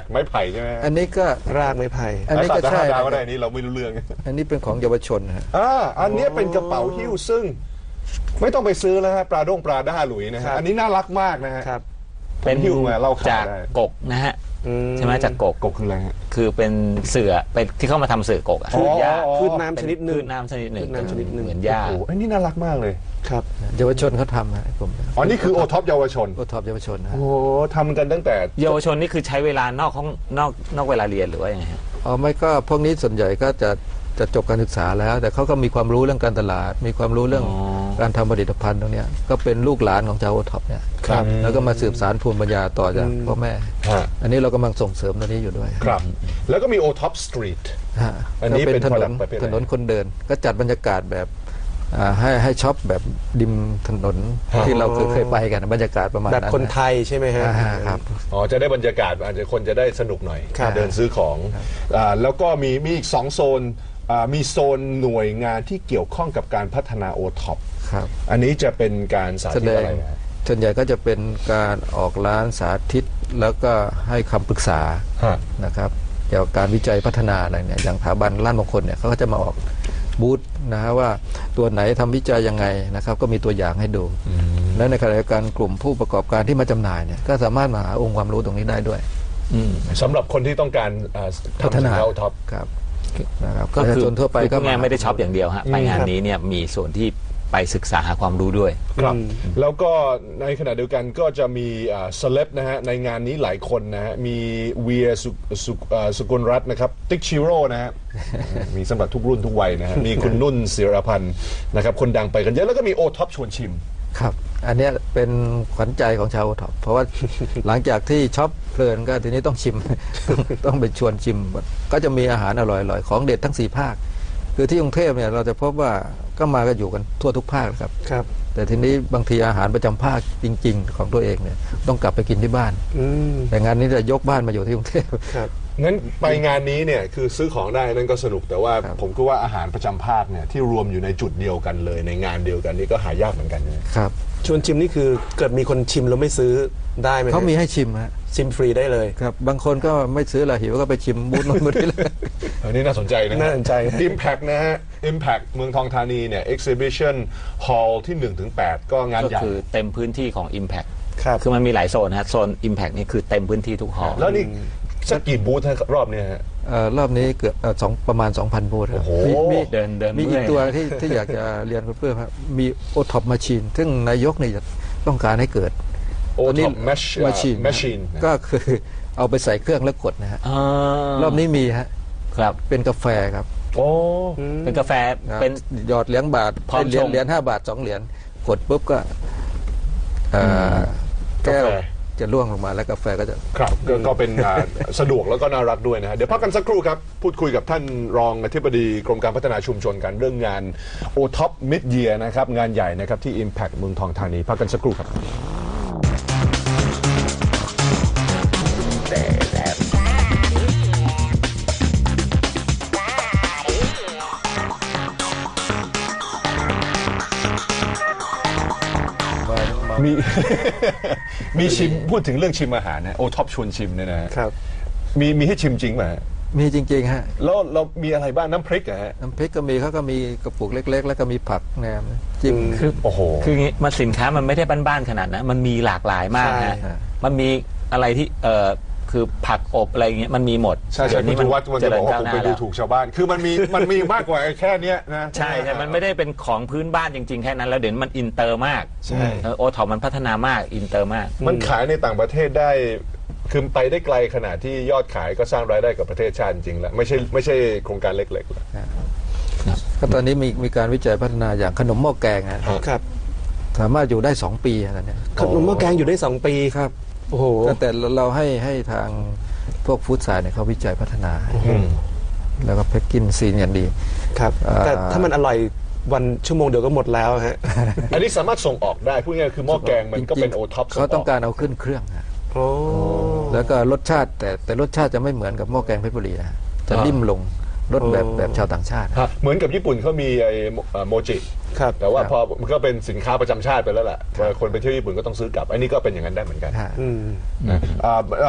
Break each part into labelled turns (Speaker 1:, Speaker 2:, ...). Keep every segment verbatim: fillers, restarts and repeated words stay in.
Speaker 1: ไม้ไผ่ใช่ไหม
Speaker 2: อันนี้ก็
Speaker 3: รากไม้ไผ่
Speaker 2: อันนี้ก็ใช่
Speaker 1: ดาวก็ได้นี่เราไม่รู้เรื่อง
Speaker 2: อันนี้เป็นของเยาวชนฮะ
Speaker 1: อ่าอันนี้เป็นกระเป๋าหิ้วซึ่งไม่ต้องไปซื้อแล้วฮะปลาด้งปลาด้าหลุยนะฮะอันนี้น่ารักมากนะฮะ
Speaker 4: เป็น
Speaker 1: หิ้วมาเล่าข่าว
Speaker 4: จากกกนะฮะใช่ไหมจากกก
Speaker 1: กกคืออะไรฮะ
Speaker 4: คือเป็นเสื่อเป็นที่เข้ามาทำเสื่อกกอ่ะ
Speaker 3: พืชหญ้าพืชน้ำชนิดหนึ่ง
Speaker 4: พืชน้ำชนิดหนึ่ง
Speaker 3: น้ำชนิดหนึ่ง
Speaker 4: เหมือนหญ้า
Speaker 1: โอ้อันนี้น่ารักมากเลย
Speaker 3: ครับ
Speaker 2: เยาวชนเขาทำนะผม
Speaker 1: อ๋อนี่คือโอท็อปเยาวชน
Speaker 2: โอท็อปเยาวชนนะ
Speaker 1: โอ้ทำกันตั้งแต่
Speaker 4: เยาวชนนี่คือใช้เวลานอกห้องนอกนอกเวลาเรียนหรือว่ายังไงฮะ
Speaker 2: อ๋อไม่ก็พวกนี้ส่วนใหญ่ก็จะจะจบการศึกษาแล้วแต่เขาก็มีความรู้เรื่องการตลาดมีความรู้เรื่องการทำผลิตภัณฑ์ตรงนี้ก็เป็นลูกหลานของชาวโอท็อปเนี่ยแล้วก็มาสืบสานภูมิปัญญาต่อจากพ่อแม่อันนี้เรากำลังส่งเสริมตรงนี้อยู่ด้วย
Speaker 1: ครับแล้วก็มีโอท็อปสตรีท
Speaker 2: อันนี้เป็นถนนถนนคนเดินก็จัดบรรยากาศแบบให้ให้ช็อปแบบริมถนนที่เราเคยเคยไปกันบรรยากาศประมาณ
Speaker 3: แบบคนไทยใช่ไหมฮะ
Speaker 2: ครับ
Speaker 1: อ๋อจะได้บรรยากาศอาจจะคนจะได้สนุกหน่อยเดินซื้อของแล้วก็มีมีอีกสองโซนมีโซนหน่วยงานที่เกี่ยวข้องกับการพัฒนาโอท็อปอันนี้จะเป็นการสาธิตอะไร
Speaker 2: ส่วนใหญ่ก็จะเป็นการออกร้านสาธิตแล้วก็ให้คำปรึกษานะครับเกี่ยวกับการวิจัยพัฒนาอะไรเนี่ยอย่างสถาบันล้านมงคลเนี่ยเขาก็จะมาออกบูธนะฮะว่าตัวไหนทำวิจัยยังไงนะครับก็มีตัวอย่างให้ดูและในขณะเดียวกันกลุ่มผู้ประกอบการที่มาจำหน่ายเนี่ยก็สามารถมาหาองค์ความรู้ตรงนี้ได้ด้วย
Speaker 1: สำหรับคนที่ต้องการ
Speaker 2: พัฒนา
Speaker 1: โอท็อป
Speaker 2: ครับนะครับ
Speaker 4: ก็คือทั่วไปก็งานไม่ได้ช็อปอย่างเดียวฮะไปงานนี้เนี่ยมีส่วนที่ไปศึกษาหาความรู้ด้วย
Speaker 1: ครับแล้วก็ในขณะเดียวกันก็จะมีเซเลบนะฮะในงานนี้หลายคนนะฮะมีเวียสุกุลรัตน์นะครับติ๊กชิโร่นะฮะมีสำหรับทุกรุ่นทุกวัยนะฮะมีคุณนุ่นศิรพันธ์นะครับคนดังไปกันเยอะแล้วก็มีโอท็อปชวนชิม
Speaker 2: ครับอันนี้เป็นขวัญใจของชาวโอท็อปเพราะว่าหลังจากที่ช็อปเพลินก็ทีนี้ต้องชิมต้องไปชวนชิมก็จะมีอาหารอร่อยๆของเด็ดทั้งสี่ภาคคือที่กรุงเทพเนี่ยเราจะพบว่าก็มากันอยู่กันทั่วทุกภาคครับ
Speaker 3: ครับ
Speaker 2: แต่ทีนี้บางทีอาหารประจำภาคจริงๆของตัวเองเนี่ยต้องกลับไปกินที่บ้านแต่งานนี้จะยกบ้านมาอยู่ที่กรุงเทพ
Speaker 1: ครับงั้นไปงานนี้เนี่ยคือซื้อของได้นั่นก็สนุกแต่ว่าผมก็ว่าอาหารประจำภาคเนี่ยที่รวมอยู่ในจุดเดียวกันเลยในงานเดียวกันนี่ก็หายากเหมือนกัน
Speaker 2: ครับ
Speaker 3: ชวนชิมนี่คือเกิดมีคนชิมแล้วไม่ซื้อได้ไหม
Speaker 2: เขามีให้ชิมฮะ
Speaker 3: ชิมฟรีได้เลย
Speaker 2: ครับบางคนก็ไม่ซื้อละหิวก็ไปชิมบูธนู้นบูธนี้เลย
Speaker 1: อันนี้น่าสนใจนะ
Speaker 3: น่าสนใจ
Speaker 1: Impact นะฮะ Impact เมืองทองธานีเนี่ย Exhibition Hall ที่ หนึ่งถึงแปด ก็งานใหญ่
Speaker 4: ก็คือเต็มพื้นที่ของ Impact
Speaker 3: ครับ
Speaker 4: คือมันมีหลายโซนฮะโซน Impact นี่คือเต็มพื้นที่ทุกหอ
Speaker 1: แล้วนี่สักกี่บูธรอบนี้ฮะ
Speaker 2: รอบนี้เกือบสองประมาณ สองพัน บูธครับ
Speaker 4: มีเดินเดิน
Speaker 2: มีอีกตัวที่ที่อยากจะเรียนเพื่อนครับมีโอท็อปมาชีนซึ่งนายกเนี่ยต้องการให้เกิด
Speaker 1: โอท็อปมาชีนมาชีน
Speaker 2: ก็คือเอาไปใส่เครื่องแล้วกดนะฮะรอบนี้มีฮะ
Speaker 4: ครับ
Speaker 2: เป็นกาแฟครับ
Speaker 1: โอ้
Speaker 4: เป็นกาแฟเป็น
Speaker 2: หยอดเหรียญบาทเหรียญเหรียญห้าบาทสองเหรียญกดปุ๊บก็แก้วจะล่วงลงมาแล้วกาแฟก็จะ
Speaker 1: ครับก็เป็นสะดวกแล้วก็น่ารักด้วยนะฮะเดี๋ยวพักกันสักครู่ครับพูดคุยกับท่านรองอธิบดีกรมการพัฒนาชุมชนกันเรื่องงาน โอ ท็อป Mid Year นะครับงานใหญ่นะครับที่ Impact เมืองทองธานีพักกันสักครู่ครับมีมีชิมพูดถึงเรื่องชิมอาหารนะโอท็อปชวนชิมเนี่ยนะครับมีมีให้ชิมจริงไหม
Speaker 2: มีจริงๆฮะ
Speaker 1: แล้วเรามีอะไรบ้างน้ำพริกอะฮะ
Speaker 2: น้ำพริกก็มีเขาก็มีกระปุกเล็กๆแล้วก็มีผักแหนมจิ้ม
Speaker 4: คือโอ้โหคืองี้มันสินค้ามันไม่ได้บ้านๆขนาดนั้นมันมีหลากหลายมากนะมันมีอะไรที่เอ่อคือผักอบอะไรเงี้ยมันมีหมด
Speaker 1: ใช่ใช่คุณวัดมันจะบอกว่าผมไปดูถูกชาวบ้านคือมันมีมันมีมากกว่าแค่นี้นะ
Speaker 4: ใช่ใช่มันไม่ได้เป็นของพื้นบ้านจริงๆแค่นั้นแล้วเดี๋ยวมันอินเตอร์มาก
Speaker 1: ใช่
Speaker 4: โอท็อปมันพัฒนามากอินเตอร์มาก
Speaker 1: มันขายในต่างประเทศได้คือไปได้ไกลขนาดที่ยอดขายก็สร้างรายได้กับประเทศชาติจริงแล้วไม่ใช่ไม่ใช่โครงการเล็กๆแล้ว
Speaker 2: ก็ตอนนี้มีมีการวิจัยพัฒนาอย่างขนมหม้อแกง
Speaker 3: ครับ
Speaker 2: สามารถอยู่ได้สองปีอะไรเนี่ย
Speaker 3: ขนมหม้อแกงอยู่ได้สองปี
Speaker 2: ครับโอ้โหแต่เราให้ให้ทางพวกฟู้ดไซน์เนี่ยเขาวิจัยพัฒนาแล้วก็แพ็กกิ้งซีนอย่างดี
Speaker 3: ครับแต่ถ้ามันอร่อยวันชั่วโมงเดียวก็หมดแล้วฮะ
Speaker 1: อันนี้สามารถส่งออกได้พูดง่ายๆคือหม้อแกงมันก็เป็นโอท็อป
Speaker 2: เขาต้องการเอาขึ้นเครื่องแล้วก็รสชาติแต่แต่รสชาติจะไม่เหมือนกับหม้อแกงเพชรบุรีนะจะนิ่มลงรสแบบแบบชาวต่างชาติ
Speaker 1: เหมือนกับญี่ปุ่นเขามีไอ้โมจิแต่ว่าพอมันก็เป็นสินค้าประจำชาติไปแล้วแหละคนไปเที่ยวญี่ปุ่นก็ต้องซื้อกลับอันนี้ก็เป็นอย่างนั้นได้เหมือนกัน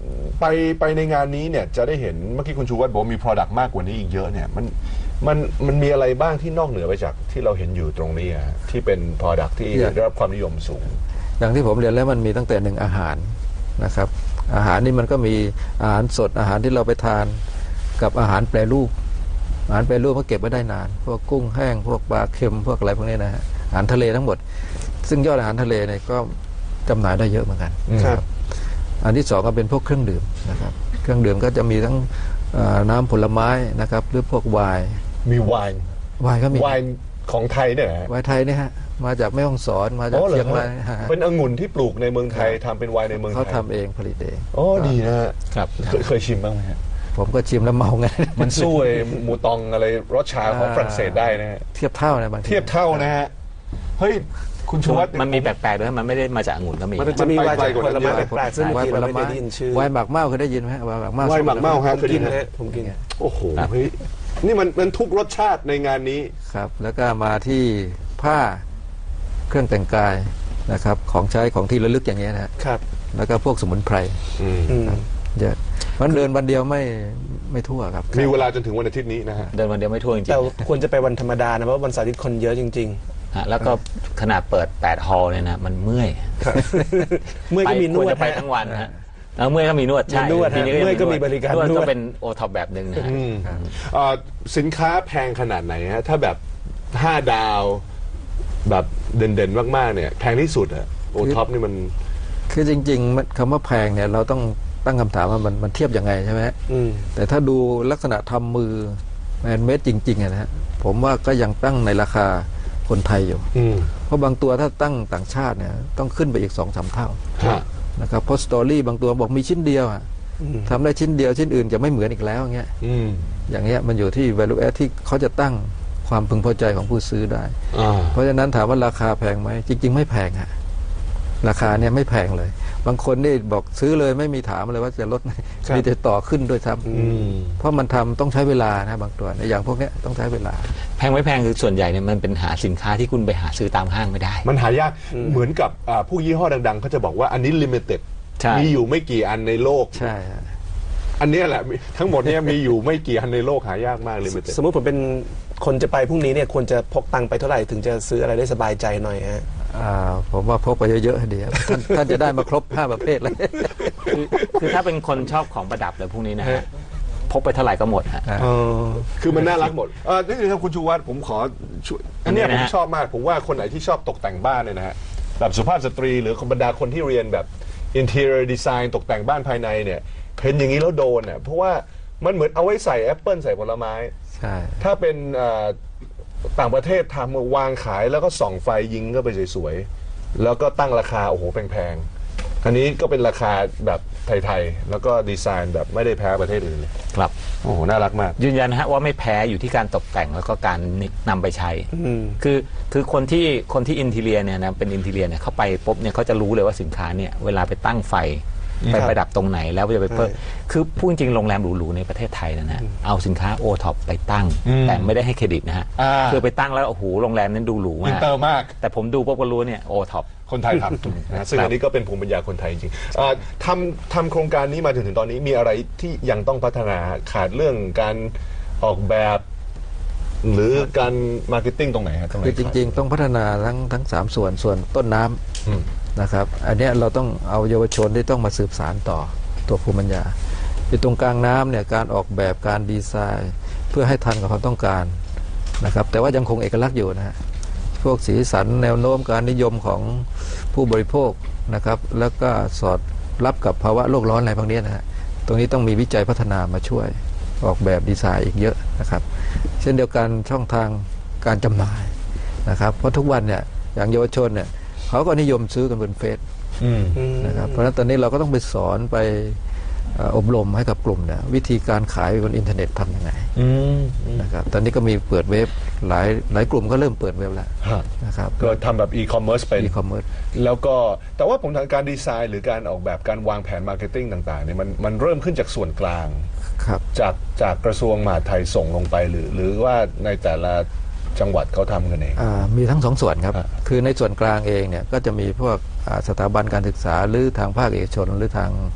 Speaker 1: ไปไปในงานนี้เนี่ยจะได้เห็นเมื่อกี้คุณชูวัฒน์บอกว่ามี Product มากกว่านี้อีกเยอะเนี่ยมันมันมันมีอะไรบ้างที่นอกเหนือไปจากที่เราเห็นอยู่ตรงนี้อะที่เป็น Product ที่ได้รับความนิยมสูง
Speaker 2: อย่างที่ผมเรียนแล้วมันมีตั้งแต่หนึ่งอาหารนะครับอาหารนี่มันก็มีอาหารสดอาหารที่เราไปทานกับอาหารแปรรูปอาหารแปรรูปก็เก็บไว้ได้นานพวกกุ้งแห้งพวกปลาเค็มพวกอะไรพวกนี้นะฮะอาหารทะเลทั้งหมดซึ่งยอดอาหารทะเลเนี่ยก็จำหน่ายได้เยอะเหมือนกัน
Speaker 3: ครับ
Speaker 2: อันที่สองก็เป็นพวกเครื่องดื่มนะครับเครื่องดื่มก็จะมีทั้งเอ่อน้ำผลไม้นะครับหรือพวกไวน์
Speaker 1: มีไวน์
Speaker 2: ไวน์ก็มี
Speaker 1: ไวน์ของไทยเนี่ยนะฮะ
Speaker 2: ไวน์ไทยเนี่ยฮะมาจากแม่ฮ่องสอนมาจาก
Speaker 1: อ๋อหรอ
Speaker 2: เชียงราย
Speaker 1: ฮะ
Speaker 2: ฮะ
Speaker 1: เป็นองุ่นที่ปลูกในเมืองไทยทำเป็นไวน์ในเมืองไท
Speaker 2: เขา
Speaker 1: ย
Speaker 2: ทำเองผลิตเอง
Speaker 1: อ๋อดีนะฮะ
Speaker 4: ครับ
Speaker 1: เคยเคยชิมบ้างไหมฮะ
Speaker 2: ผมก็ชิมแล้วเมาไง
Speaker 1: มันสู้ไอ้หมูตองอะไรรสชาของ
Speaker 2: อ่า
Speaker 1: ฝรั่งเศสได้นะฮะ
Speaker 2: เทียบเท่านะบางที
Speaker 1: เทียบเท่านะฮะเฮ้ยคุณชูวัฒน์
Speaker 4: มันมีแปลกๆด้วยมันไม่ได้มาจากองุ่นก็มี
Speaker 3: มันจะมี
Speaker 1: มัน
Speaker 3: วาย
Speaker 1: ไป
Speaker 3: จาก
Speaker 1: ไกลกว่า
Speaker 3: ผ
Speaker 1: นั้น
Speaker 3: ลไม้
Speaker 1: เยอะ
Speaker 3: แปลกๆซึ่งบางทีเราไม่ได้ยินชื่อ
Speaker 2: ไวน์หมากเมาเคยได้ยินไหมฮะไวน์หมากเมา
Speaker 1: ไวน์หมากเมาฮะ
Speaker 3: ผมกินฮะผมกิน
Speaker 1: โอ้โหเฮ้ยนี่มันมันทุกรสชาติในงานนี้
Speaker 2: ครับแล้วก็มาที่ผ้าเครื่องแต่งกายนะครับของใช้ของที่ระลึกอย่างเงี้ยนะฮะ
Speaker 3: ครับ
Speaker 2: แล้วก็พวกสมุนไพร
Speaker 1: อืม
Speaker 3: อืม
Speaker 2: เยอะมันเดินวันเดียวไม่ไม่ทั่วครับ
Speaker 1: มีเวลาจนถึงวันอาทิตย์นี้นะฮะ
Speaker 4: เดินวันเดียวไม่ทั่วจริง
Speaker 3: แต่
Speaker 4: ๆ
Speaker 3: ควรจะไปวันธรรมดานะเพราะวันเสาร์อาทิตย์คนเยอะจริง
Speaker 4: ฮะแล้วก็ขนาดเปิดแปดฮอลเนี่ยนะมันเมื่อย
Speaker 3: ๆ ครับเมื่อยก็มีน
Speaker 4: คว
Speaker 3: ด
Speaker 4: รจะไป
Speaker 3: ฮะ
Speaker 4: ทั้งวันฮะแล้วเมื่อยก็มีนวดใช่
Speaker 3: มีนวดฮะ
Speaker 4: ทีนี้
Speaker 3: เมื่อยก็มีบริการ
Speaker 4: นวด
Speaker 3: นว
Speaker 4: ก็
Speaker 3: ด
Speaker 4: เป็นโอท็อปแบบหนึ่งนะฮะ
Speaker 1: อืมเอ่อสินค้าแพงขนาดไหนฮะถ้าแบบห้าดาวแบบเด่นๆมากๆเนี่ยแพงที่สุดอะโอท็อปนี่มัน
Speaker 2: คือจริงๆมันคำว่าแพงเนี่ยเราต้องตั้งคำถามว่ามันมันเทียบยังไงใช่ไหมฮะ
Speaker 3: อืม
Speaker 2: แต่ถ้าดูลักษณะทำมือแมนเมดจริงๆอะนะฮะผมว่าก็ยังตั้งในราคาคนไทยอยู่
Speaker 1: อืม
Speaker 2: เพราะบางตัวถ้าตั้งต่างชาติเนี่ยต้องขึ้นไปอีกสองสามเท่า
Speaker 1: ฮะ
Speaker 2: นะครับเพราะสตอรี่บางตัวบอกมีชิ้นเดียวอะ
Speaker 3: อืม
Speaker 2: ทำได้ชิ้นเดียวชิ้นอื่นจะไม่เหมือนอีกแล้วอย่างเงี้ย
Speaker 1: อืม
Speaker 2: อย่างเงี้ยมันอยู่ที่ value add ที่เขาจะตั้งความพึงพอใจของผู้ซื้อได้
Speaker 1: อ่า
Speaker 2: เพราะฉะนั้นถามว่าราคาแพงไหมจริง ๆ ไม่แพงฮะราคาเนี่ยไม่แพงเลย บางคนนี่บอกซื้อเลยไม่มีถามเลยว่าจะลดไหม
Speaker 3: ครับ
Speaker 2: มีแต่ต่อขึ้นด้วยซ้
Speaker 1: อืม
Speaker 2: ำเพราะมันทำต้องใช้เวลานะบางตัวในอย่างพวกเนี้ยต้องใช้เวลา
Speaker 4: แพงไม่แพงคือส่วนใหญ่เนี่ยมันเป็นหาสินค้าที่คุณไปหาซื้อตามห้างไม่ได้
Speaker 1: มันหายากเหมือนกับอ่าผู้ยี่ห้อดังๆเขาจะบอกว่าอันนี้ลิมิเต็ด
Speaker 4: ใช่
Speaker 1: มีอยู่ไม่กี่อันในโลก
Speaker 2: ใช่ฮะ
Speaker 1: อันเนี้ยแหละมีทั้งหมดเนี้ยมีอยู่ไม่กี่อันในโลกหายากมากลิมิเต็ด
Speaker 3: สมมติผมเป็นคนจะไปพรุ่งนี้เนี่ยควรจะพกตังค์ไปเท่าไหร่ถึงจะซื้ออะไรได้สบายใจหน่อยฮะ
Speaker 2: อ่าผมว่าพกไปเยอะๆดีครับท่านท่านจะได้มาครบห้าประเภทเลย
Speaker 4: คือคือถ้าเป็นคนชอบของประดับเลยพวกนี้นะฮะพกไปเท่าไหร่ก็หมดฮะ
Speaker 2: อ่า
Speaker 3: เออ
Speaker 1: คือมันน่ารักหมดเออนี่ครับคุณชูวัฒน์ผมขอช่วยอันเนี้ย
Speaker 4: อันนี้
Speaker 1: ผม
Speaker 4: นะฮะ
Speaker 1: ชอบมาก ผมว่าคนไหนที่ชอบตกแต่งบ้านเนี่ยนะฮะแบบสุภาพสตรีหรือคนบรรดาคนที่เรียนแบบ interior design ตกแต่งบ้านภายในเนี่ยเห็นอย่างนี้แล้วโดนเนี่ยเพราะว่ามันเหมือนเอาไว้ใส่แอปเปิลใส่ผลไม้
Speaker 2: ใช่
Speaker 1: ถ้าเป็นเอ่อต่างประเทศทำวางขายแล้วก็ส่องไฟยิงก็ไปสวยๆแล้วก็ตั้งราคาโอ้โหแพงๆอันนี้ก็เป็นราคาแบบไทยๆแล้วก็ดีไซน์แบบไม่ได้แพ้ประเทศอื่นเลย
Speaker 4: ครับ
Speaker 1: โอ้โหน่ารักมาก
Speaker 4: ยืนยันนะฮะว่าไม่แพ้อยู่ที่การตกแต่งแล้วก็การนำไปใช้
Speaker 3: อืม
Speaker 4: คือคือคนที่คนที่อินทีเรียเนี่ยนะเป็นอินทีเรียเนี่ยเขาไปปุ๊บเนี่ยเขาจะรู้เลยว่าสินค้าเนี่ยเวลาไปตั้งไฟไปประดับตรงไหนแล้วจะไปเพิ่ม
Speaker 3: ใช่
Speaker 4: คือพูดจริงโรงแรมหรูๆในประเทศไทยนะฮะเอาสินค้าโอท็อปไปตั้ง
Speaker 1: อืม
Speaker 4: แต่ไม่ได้ให้เครดิตนะฮะ
Speaker 1: อ่า
Speaker 4: คือไปตั้งแล้วโอ้โหโรงแรมนั้นดูหรู
Speaker 1: อิน
Speaker 4: มาก
Speaker 1: เตอร์มาก
Speaker 4: แต่ผมดูปุ๊บก็รู้เนี่ยโอท็อป
Speaker 1: คนไทยทำนะซึ่งอันนี้ก็เป็นภูมิปัญญาคนไทยจริงๆเอ่อทำทำโครงการนี้มาถึงถึงตอนนี้มีอะไรที่ยังต้องพัฒนาขาดเรื่องการออกแบบ หรือการมาร์เก็ตติ้งตรงไหนฮะตรงไหน
Speaker 2: คือจริง ๆ ต้องพัฒนาทั้งทั้งสามส่วนส่วนต้นน้ำ
Speaker 1: อืม
Speaker 2: นะครับอันเนี้ยเราต้องเอาเยาวชนที่ต้องมาสืบสารต่อตัวภูมิปัญญาอยู่ตรงกลางน้ำเนี่ยการออกแบบการดีไซน์ เพื่อให้ทันกับความต้องการนะครับแต่ว่ายังคงเอกลักษณ์อยู่นะฮะพวกสีสันแนวโน้มการนิยมของผู้บริโภคนะครับแล้วก็สอดรับกับภาวะโลกร้อนอะไรพวกนี้นะฮะตรงนี้ต้องมีวิจัยพัฒนามาช่วยออกแบบดีไซน์อีกเยอะนะครับเช่นเดียวกันช่องทางการจำหน่ายนะครับเพราะทุกวันเนี่ยอย่างเยาวชนเนี่ยเขาก็นิยมซื้อกันบนเฟซ
Speaker 1: อืม
Speaker 2: นะครับเพราะฉะนั้นตอนนี้เราก็ต้องไปสอนไปเอ่ออบรมให้กับกลุ่มเนี่ยวิธีการขายบนอินเทอร์เน็ตทำยังไง
Speaker 1: อืม
Speaker 2: นะครับตอนนี้ก็มีเปิดเว็บหลายหลายกลุ่มก็เริ่มเปิดเว็บแล้ว
Speaker 1: ฮะ
Speaker 2: นะครับ
Speaker 1: ก็ทำแบบอีคอมเมิร์ซเป็น
Speaker 2: อีคอมเมิร์ซ
Speaker 1: แล้วก็แต่ว่าผมทางการดีไซน์หรือการออกแบบการวางแผนมาร์เก็ตติ้งต่างๆเนี่ยมันมันเริ่มขึ้นจากส่วนกลาง
Speaker 2: ครับ
Speaker 1: จากจากกระทรวงมหาดไทยส่งลงไปหรือ หรือว่าในแต่ละจังหวัดเขาทำกันเอง
Speaker 2: อ่ามีทั้งสองส่วนครับ
Speaker 1: อ่า
Speaker 2: คือในส่วนกลางเองเนี่ยก็จะมีพวกอ่าสถาบันการศึกษาหรือทางภาคเอกชนหรือทาง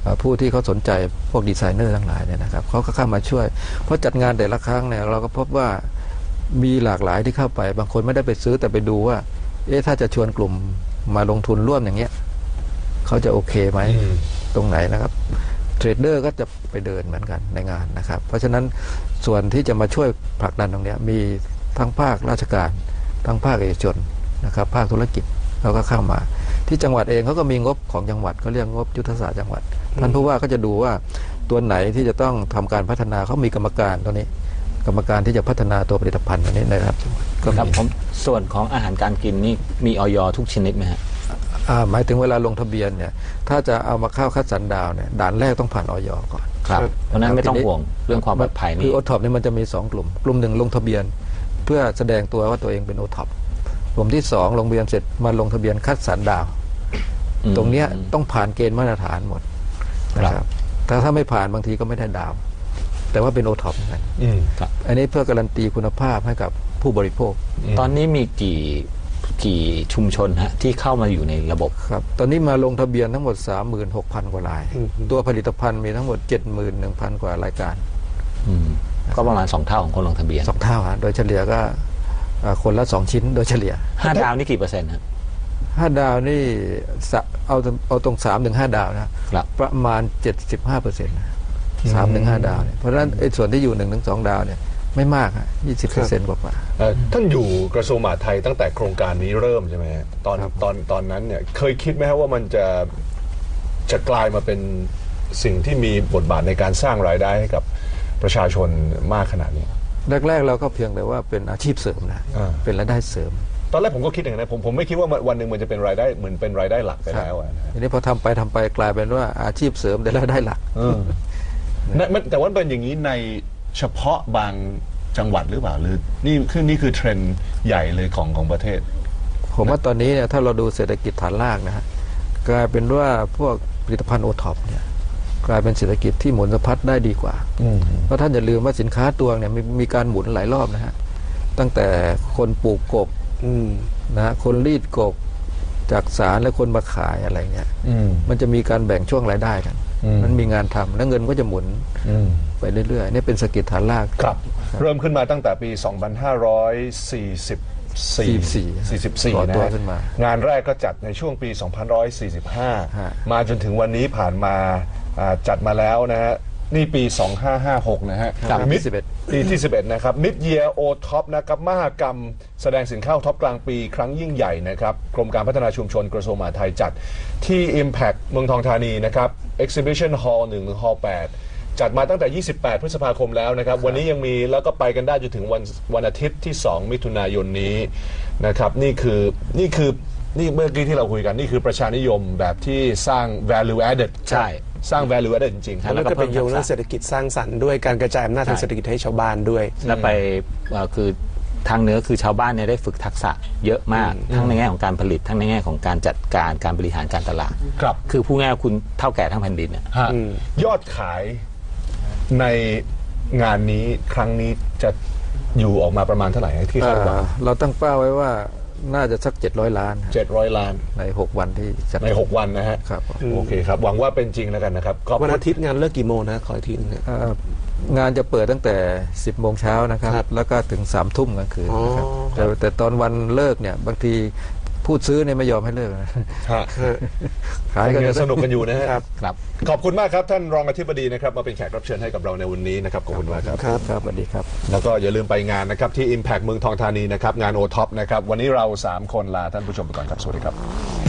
Speaker 2: อ่าผู้ที่เขาสนใจพวกดีไซเนอร์ทั้งหลายเนี่ยนะครับเขาก็เข้ามาช่วยเพราะจัดงานแต่ละครั้งเนี่ยเราก็พบว่ามีหลากหลายที่เข้าไปบางคนไม่ได้ไปซื้อแต่ไปดูว่าเอ๊ะถ้าจะชวนกลุ่มมาลงทุนร่วมอย่างเงี้ยเขาจะโอเคไหม
Speaker 1: อืม
Speaker 2: ตรงไหนนะครับเทรดเดอร์ก็จะไปเดินเหมือนกันในงานนะครับเพราะฉะนั้นส่วนที่จะมาช่วยผลักดันตรงเนี้ยมีทั้งภาคราชการทั้งภาคเอกชนนะครับภาคธุรกิจเขาก็เข้ามาที่จังหวัดเองเขาก็มีงบของจังหวัดเขาเรียกงบยุทธศาสตร์จังหวัดท่านผู้ว่าก็จะดูว่าตัวไหนที่จะต้องทำการพัฒนาเขามีกรรมการตัวนี้ กรรมการที่จะพัฒนาตัวผลิตภัณฑ์ตัวนี้นะครับก็
Speaker 4: ครับ
Speaker 2: มี
Speaker 4: ผมส่วนของอาหารการกินนี่มีออยทุกชนิดไหมฮะ
Speaker 2: อ่าหมายถึงเวลาลงทะเบียนเนี่ยถ้าจะเอามาเข้าคัดสรรดาวเนี่ยด่านแรกต้องผ่านออยก่อน
Speaker 4: ครับเพราะฉะนั้นไม่ต้องห่วงเรื่องความปลอดภัย
Speaker 2: คื
Speaker 4: นี่
Speaker 2: อโอท็อปนี่มันจะมีสองกลุ่ม กลุ่มหนึ่งลงทะเบียน เพื่อแสดงตัวว่าตัวเองเป็นโอท็อปกลุ่มที่สองลงทะเบียนเสร็จมาลงทะเบียนคัดสรรดาว
Speaker 4: อืม
Speaker 2: ตรงเนี้ยต้องผ่านเกณฑ์มาตรฐานหมดนะค
Speaker 4: ครั
Speaker 2: รับบ แต่ถ้าไม่ผ่านบางทีก็ไม่ได้ดาว แต่ว่าเป็นโอท็อปเหมือนกัน
Speaker 1: อืม
Speaker 4: ครับ
Speaker 2: อันนี้เพื่อการันตีคุณภาพให้กับผู้บริโภค
Speaker 4: ตอนนี้มีกี่กี่ชุมชนฮะที่เข้ามาอยู่ในระบบ
Speaker 2: ครับตอนนี้มาลงทะเบียนทั้งหมด สามหมื่นหกพัน กว่าราย
Speaker 3: อืม
Speaker 2: ตัวผลิตภัณฑ์มีทั้งหมด เจ็ดหมื่นหนึ่งพัน กว่ารายการ
Speaker 4: อืมก็ประมาณสองเท่าของคนลงทะเบียน
Speaker 2: สองเท่าฮะโดยเฉลี่ยก็อ่าคนละสองชิ้นโดยเฉลี่ย
Speaker 4: ห้าดาวนี่กี่เปอร์เซ็นต์ฮะ
Speaker 2: ห้าดาวนี่สะเอาเอาตรงสามถึงห้าดาวนะครับ ประมาณ เจ็ดสิบห้าเปอร์เซ็นต์นะสามถึงห้าดาวเนี่ยเพราะฉะนั้นไอ้ส่วนที่อยู่หนึ่งถึงสองดาวเนี่ยไม่มากฮะยี่สิบเปอร์เซ็นต์กว่า
Speaker 1: เอ่อท่านอยู่กระทรวงมหาดไทยตั้งแต่โครงการนี้เริ่มใช่ไหมฮะตอน
Speaker 2: ครับ
Speaker 1: ตอนตอนนั้นเนี่ยเคยคิดไหมครับว่ามันจะจะกลายมาเป็นสิ่งที่มีบทบาทในการสร้างรายได้ให้กับประชาชนมากขนาดนี้
Speaker 2: แรกๆเราก็เพียงแต่ว่าเป็นอาชีพเสริมนะ
Speaker 1: อ่า
Speaker 2: เป็นรายได้เสริม
Speaker 1: ตอนแรกผมก็คิดอย่างนั้นนะผมผมไม่คิดว่าวันหนึ่งมันจะเป็นรายได้เหมือนเป็นรายได้หลักไปแล้วอะนะฮะ
Speaker 2: ทีนี้พอทำไปทำไปกลายเป็นว่าอาชีพเสริมแต่รายได้หลัก
Speaker 1: เออนะมันแต่ว่าเป็นอย่างนี้ในเฉพาะบางจังหวัดหรือเปล่าหรือนี่คือนี่คือเทรนด์ใหญ่เลยของของประเทศ
Speaker 2: ผมว่าตอนนี้เนี่ยถ้าเราดูเศรษฐกิจฐานรากนะฮะกลายเป็นว่าพวกผลิตภัณฑ์โอท็อปเนี่ยกลายเป็นเศรษฐกิจที่หมุนสะพัดได้ดีกว่า เพราะท่านอย่าลืมว่าสินค้าตัวเนี่ยมีมีการหมุนหลายรอบนะฮะตั้งแต่คนปลูกกบ
Speaker 3: อืม
Speaker 2: นะฮะคนรีดกบจากสารและคนมาขายอะไรเงี้ย
Speaker 1: อืม
Speaker 2: มันจะมีการแบ่งช่วงรายได้กัน
Speaker 1: อืม
Speaker 2: มันมีงานทำแล้วเงินก็จะหมุน
Speaker 1: อืม
Speaker 2: ไปเรื่อยๆนี่เป็นเศรษฐกิจฐานราก
Speaker 1: ครับ เริ่มขึ้นมาตั้งแต่ปี สองพันห้าร้อยสี่สิบสี่ สี่สิบสี่
Speaker 2: ก่อ
Speaker 1: นะ
Speaker 2: ตัว
Speaker 1: ฮะ
Speaker 2: ขึ้นมา
Speaker 1: งานแรกก็จัดในช่วงปี สองพันห้าร้อยสี่สิบห้า
Speaker 2: ฮะ
Speaker 1: มาจนถึงวันนี้ผ่านมาอ่าจัดมาแล้วนะฮะ นี่ปี สองพันห้าร้อยห้าสิบหก นะฮะ
Speaker 2: ครับ
Speaker 1: มิด
Speaker 2: สิบเอ็ด
Speaker 1: ปีที่ สิบเอ็ด นะครับ Mid Year O Top นะครับมหกรรมแสดงสินค้าท็อปกลางปีครั้งยิ่งใหญ่นะครับ กรมการพัฒนาชุมชนกระทรวงมหาดไทยจัดที่ Impact เมืองทองธานีนะครับ Exhibition Hall หนึ่งถึง Hall แปด จัดมาตั้งแต่ ยี่สิบแปด พฤษภาคมแล้วนะครับ วันนี้ยังมีแล้วก็ไปกันได้จนถึงวันวันอาทิตย์ที่ สอง มิถุนายนนี้นะครับ นี่คือนี่คือนี่เมื่อกี้ที่เราคุยกันนี่คือประชานิยมแบบที่สร้าง value added
Speaker 4: ใช่
Speaker 1: สร้าง value added จริงๆ
Speaker 4: ครับ
Speaker 3: แล้วก็เป็นโยงเรื่องเศรษฐกิจสร้างสรรค์ด้วยการกระจายอำนาจทางเศรษฐกิจให้ชาวบ้านด้วย
Speaker 4: แล้วไปเอ่อคือทางเหนือคือชาวบ้านเนี่ยได้ฝึกทักษะเยอะมาก ทั้งในแง่ของการผลิตทั้งในแง่ของการจัดการการบริหารการตลาด
Speaker 1: ครับ
Speaker 4: คือผู้ง่ายๆคุณเท่าแก่ทั้งแผ่นดินเนี่ย
Speaker 1: ฮะ
Speaker 3: อืม
Speaker 1: ยอดขายในงานนี้ครั้งนี้จะอยู่ออกมาประมาณเท่าไหร่ที่คาดหวัง
Speaker 2: อ่าเราตั้งเป้าไว้ว่าน่าจะสักเจ็ดร้อยล้าน
Speaker 1: เจ็ดร้อยล้าน
Speaker 2: ในหกวันที่จัด
Speaker 1: ในหกวันนะฮะ
Speaker 2: ครับ
Speaker 1: โอเคครับ หวังว่าเป็นจริงแล้วกันนะครับขอบ
Speaker 3: วัน
Speaker 1: คุณ
Speaker 3: อาทิตย์งานเลิกกี่โมงนะขออีกทีนึงนะ
Speaker 2: เอ่องานจะเปิดตั้งแต่ สิบโมงเช้านะครับ
Speaker 3: ครับ
Speaker 2: แล้วก็ถึงสามทุ่มกลางคืนนะครับ
Speaker 3: อ๋อ
Speaker 2: แต่แต่ตอนวันเลิกเนี่ยบางทีพูดซื้อเนี่ยไม่ยอมให้เลิกนะ
Speaker 1: ฮะ
Speaker 2: ขายกัน
Speaker 1: ยั
Speaker 2: จะ
Speaker 1: งสนุกกันอยู่นะฮะ
Speaker 3: ครับ
Speaker 4: ครับ
Speaker 1: ขอบคุณมากครับท่านรองอธิบดีนะครับมาเป็นแขกรับเชิญให้กับเราในวันนี้นะครับขอบคุณมากครับ
Speaker 3: ครับ
Speaker 2: ครับสวัสดีครับ
Speaker 1: แล้วก็อย่าลืมไปงานนะครับที่ Impact เมืองทองธานีนะครับงาน โอ ท็อป นะครับวันนี้เราสามคนลาท่านผู้ชมไปก่อนครับสวัสดีครับ